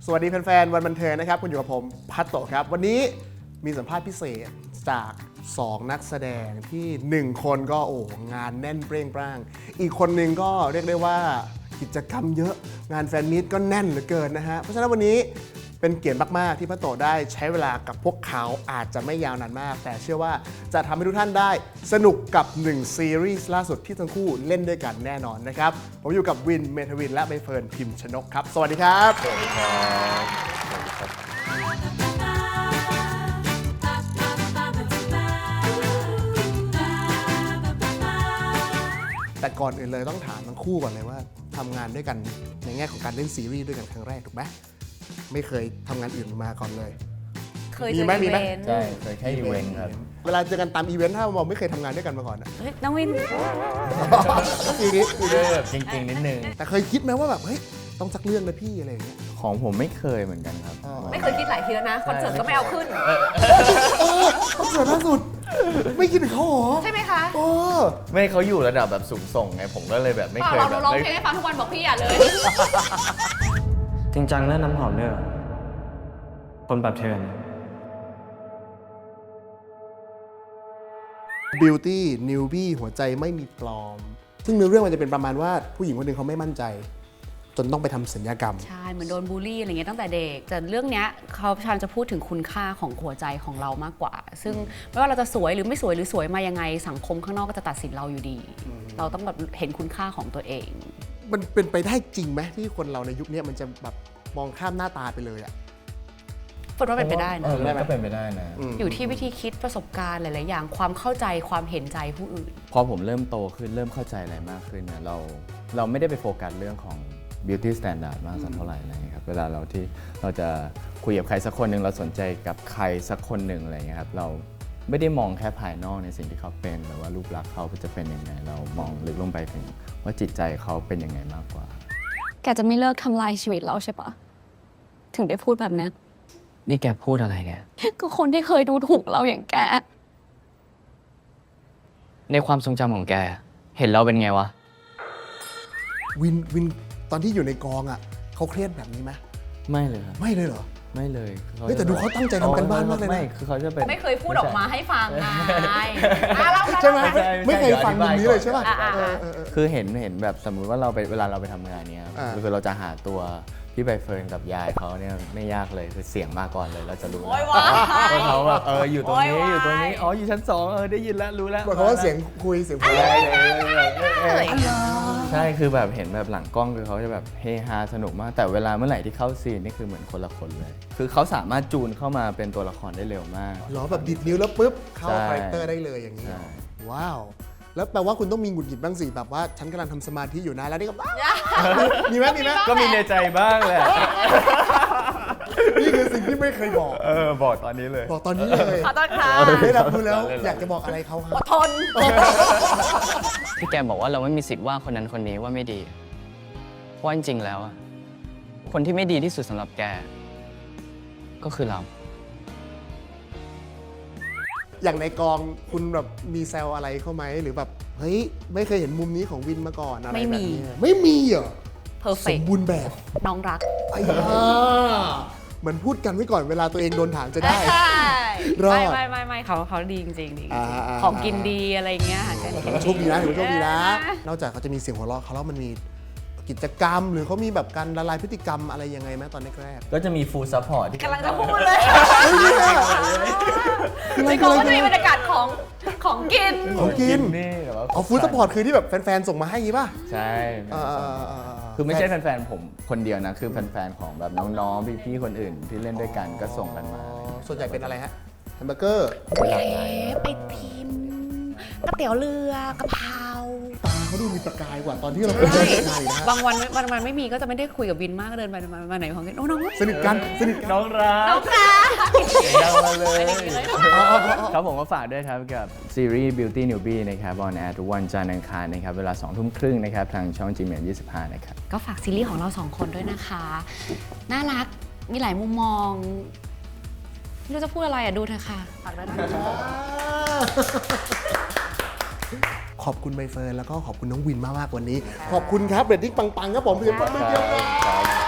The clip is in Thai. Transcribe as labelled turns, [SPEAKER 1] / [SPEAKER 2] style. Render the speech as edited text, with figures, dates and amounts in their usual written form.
[SPEAKER 1] สวัสดีแฟนๆวันบันเทิงนะครับคุณอยู่กับผมพัตโตครับวันนี้มีสัมภาษณ์พิเศษจาก2นักแสดงที่1คนก็งานแน่นเปร่งปร้างอีกคนนึงก็เรียกได้ว่ากิจกรรมเยอะงานแฟนมีตก็แน่นเหลือเกินนะฮะเพราะฉะนั้นวันนี้เป็นเกียรติมากๆที่พัตโตได้ใช้เวลากับพวกเขาอาจจะไม่ยาวนานมากแต่เชื่อว่าจะทำให้ทุกท่านได้สนุกกับ1ซีรีส์ล่าสุดที่ทั้งคู่เล่นด้วยกันแน่นอนนะครับผมอยู่กับวินเมทวินและใบเฟิร์นพิมชนกครับสวัสดีครับสวัสดีครับแต่ก่อนอื่นเลยต้องถามทั้งคู่ก่อนเลยว่าทำงานด้วยกันในแง่ของการเล่นซีรีส์ด้วยกันครั้งแรกถูกไหมไม่เคยทำงานอื่นมาก่อนเลย
[SPEAKER 2] เคยเจออีเวนต์
[SPEAKER 3] ใช่เคยแค่อีเวนต์ครับ
[SPEAKER 1] เวลาเจอกันตามอีเวนต์ถ้าเราไม่เคยทำงานด้วยกันมาก่อนอะ
[SPEAKER 2] เฮ้ยน้องวิน
[SPEAKER 1] ทีนี้
[SPEAKER 3] แบบจริงๆนิดนึง
[SPEAKER 1] แต่เคยคิดไหมว่าแบบเฮ้ยต้องสักเรื่องนะพี่อะไรอย่างเงี้ย
[SPEAKER 3] ของผมไม่เคยเหมือนกันครับ
[SPEAKER 2] ไม่เคยคิดหลายทีแล้วนะคอนเสิร์ตก็ไม่เอาขึ้น
[SPEAKER 1] คอนเสิร์ตล่าสุดไม่คิดถึงเขาหรอ
[SPEAKER 2] ใช่ไหมคะ
[SPEAKER 3] ไม่เขาอยู่ระดับแบบสูงส่งไงผมก็เลยแบบไม่เคย
[SPEAKER 2] เราร้องเพลงให้ฟังทุกวันบอกพี่อย่าเลย
[SPEAKER 4] จริงจังเรื่องน้ำหอมเนี่ยคนแบบเธอ
[SPEAKER 1] Beauty Newbie หัวใจไม่มีปลอมซึ่งเนื้อเรื่องมันจะเป็นประมาณว่าผู้หญิงคนหนึ่งเขาไม่มั่นใจจนต้องไปทำศัลยกรรม
[SPEAKER 2] ใช่เหมือนโดนบูลลี่อะไรเงี้ยตั้งแต่เด็กแต่เรื่องเนี้ยเขาพยายามจะพูดถึงคุณค่าของหัวใจของเรามากกว่าซึ่งไม่ว่าเราจะสวยหรือไม่สวยหรือสวยมายังไงสังคมข้างนอกก็จะตัดสินเราอยู่ดีเราต้องแบบเห็นคุณค่าของตัวเอง
[SPEAKER 1] มันเป็นไปได้จริงไหมที่คนเราในยุคนี้มันจะแบบมองข้ามหน้าตาไปเลยอะ
[SPEAKER 2] ฝนว่าเป็นไปได้นะ
[SPEAKER 3] ก็เป็นไปได้นะ
[SPEAKER 2] อยู่ที่วิธีคิดประสบการณ์หลายๆอย่างความเข้าใจความเห็นใจผู้อื่น
[SPEAKER 3] พอผมเริ่มโตขึ้นเริ่มเข้าใจอะไรมากขึ้นเนี่ยเราไม่ได้ไปโฟกัสเรื่องของ beauty standard มากสักเท่าไหร่อะไรเงี้ยครับเวลาเราจะคุยกับใครสักคนหนึ่งเราสนใจกับใครสักคนหนึ่งอะไรเงี้ยครับเราไม่ได้มองแค่ภายนอกในสิ่งที่เขาเป็นหรือว่ารูปลักษณ์เขาจะเป็นยังไงเรามองลึกลงไปถึงว่าจิตใจเขาเป็นยังไงมากกว่า
[SPEAKER 5] แกจะไม่เลิกทำลายชีวิตเราใช่ปะถึงได้พูดแบบนี้
[SPEAKER 4] นี่แกพูดอะไรแก
[SPEAKER 5] ก็คนที่เคยดูถูกเราอย่างแก
[SPEAKER 4] ในความทรงจำของแกเห็นเราเป็นไงวะ
[SPEAKER 1] วินตอนที่อยู่ในกองอ่ะเขาเครียดแบบนี้ไหม
[SPEAKER 3] ไม่เลยครับ
[SPEAKER 1] ไม่เลยเหรอ
[SPEAKER 3] ไม่เลย
[SPEAKER 1] เฮ้ยแต่ดูเขาตั้งใจทำกันบ้านมากเลยนะ
[SPEAKER 3] ไม่คือเขาจะเป็น
[SPEAKER 2] ไม่เคยพูดออกมาให้ฟังไง
[SPEAKER 1] ใช่ไหมไม่เคยฟังมุมนี้เลยใช่ป่ะ
[SPEAKER 3] คือเห็นแบบสมมุติว่าเวลาเราไปทำงานเนี้ยคือเราจะหาตัวพี่ใบเฟิร์นกับยายเขาเนี่ยไม่ยากเลยคือเสียงมาก่อนเลยเราจะรู้ว่าเขาแบบอยู่ตรงนี้อยู่ตรงนี้อ๋ออยู่ชั้น2ได้ยินแล้วรู้แล้ว
[SPEAKER 1] เพราะว่าเสียงคุยเสียงพูด
[SPEAKER 3] ใช่คือแบบเห็นแบบหลังกล้องคือเขาจะแบบเฮฮาสนุกมากแต่เวลาเมื่อไหร่ที่เข้าซีนนี่คือเหมือนคนละคนเลยคือเขาสามารถจูนเข้ามาเป็นตัวละครได้เร็วมาก
[SPEAKER 1] หรอแบบดิดนิ้วแล้วปุ๊บเข้าคาแรคเตอร์ได้เลยอย่างนี้ว้าวแล้วแปลว่าคุณต้องมีหงุดหงิดบ้างสิแบบว่าฉันกำลังทำสมาธิอยู่นะแล้วนี่ก็มีไหม
[SPEAKER 3] ก็มีในใจบ้างแหละ
[SPEAKER 1] นี่คือสิ่งที่ไม่เคยบอก
[SPEAKER 3] บอกตอนนี้เลย
[SPEAKER 1] บอกตอนนี้เลย
[SPEAKER 2] ขอต้อนค่ะ
[SPEAKER 1] ได้รับรู้แล้วอยากจะบอกอะไรเขาครับ
[SPEAKER 2] อดทน
[SPEAKER 4] ที่แกบอกว่าเราไม่มีสิทธิ์ว่าคนนั้นคนนี้ว่าไม่ดีเพราะจริงๆแล้วคนที่ไม่ดีที่สุดสำหรับแกก็คือเรา
[SPEAKER 1] อย่างในกองคุณแบบมีแซวอะไรเข้าไหมหรือแบบเฮ้ยไม่เคยเห็นมุมนี้ของวินมาก่อนอะไรแบบนี้ไม่มีเหรอสมบูรณ์แบบ
[SPEAKER 2] น้องรัก
[SPEAKER 1] เหมือนพูดกันไว้ก่อนเวลาตัวเองโดนถามจะได้
[SPEAKER 2] ไม่เขาดีจริงๆดีของกินดีอะไรเงี้ย
[SPEAKER 1] ถือว่าโชคดีนะถือว่าโชคดีนะนอกจากเขาจะมีเสียงหัวเราะเขาแล้วมันมีกิจกรรมหรือเขามีแบบการละลายพฤติกรรมอะไรยังไงไหมตอนแรก
[SPEAKER 3] ก็จะมีฟูลซัพพอร์ตที่
[SPEAKER 2] กำลังจะพูดเลยในกองก็จะมีบรรยากาศของกิน
[SPEAKER 3] นี่
[SPEAKER 1] อ๋อฟูลซัพพอร์ตคือที่แบบแฟนๆส่งมาให้งี้ป่ะ
[SPEAKER 3] ใช่คือไม่ใช่แฟนๆผมคนเดียวนะคือแฟนๆของแบบน้องๆพี่ๆคนอื่นที่เล่นด้วยกันก็ส่งกันมา
[SPEAKER 1] ส่วนใหญ่เป็นอะไรฮะแฮมเบอร์เกอร์
[SPEAKER 2] ไปพิมพ์ก๋วยเตี๋ยวเรือกะเพรา
[SPEAKER 1] ตาเขาดูมีประกายกว่าตอนที่เราเป็นเด็กนะ
[SPEAKER 2] บางวันไม่มีก็จะไม่ได้คุยกับวินมากเดินไปมาไหนของกันน้อง
[SPEAKER 1] สนิทกัน
[SPEAKER 3] น้องรัก
[SPEAKER 2] ดัง
[SPEAKER 3] มาเลยครับผมก็ฝากด้วยครับกับซีรีส์ Beauty Newbie นะครับออนแอร์ทุกวันจันทร์อังคารนะครับเวลา 20:30 นนะครับทางช่อง GMM25 นะครับ
[SPEAKER 2] ก็ฝากซีรีส์ของเรา2คนด้วยนะคะน่ารักมีหลายมุมมองไม่รู้จะพูดอะไรดูเถอะค่ะฝากด้วยนะคะ
[SPEAKER 1] ขอบคุณใบเฟิร์นแล้วก็ขอบคุณน้องวินมากๆวันนี้ขอบคุณครับเรตติ้งปังๆครับผมเพียงแค่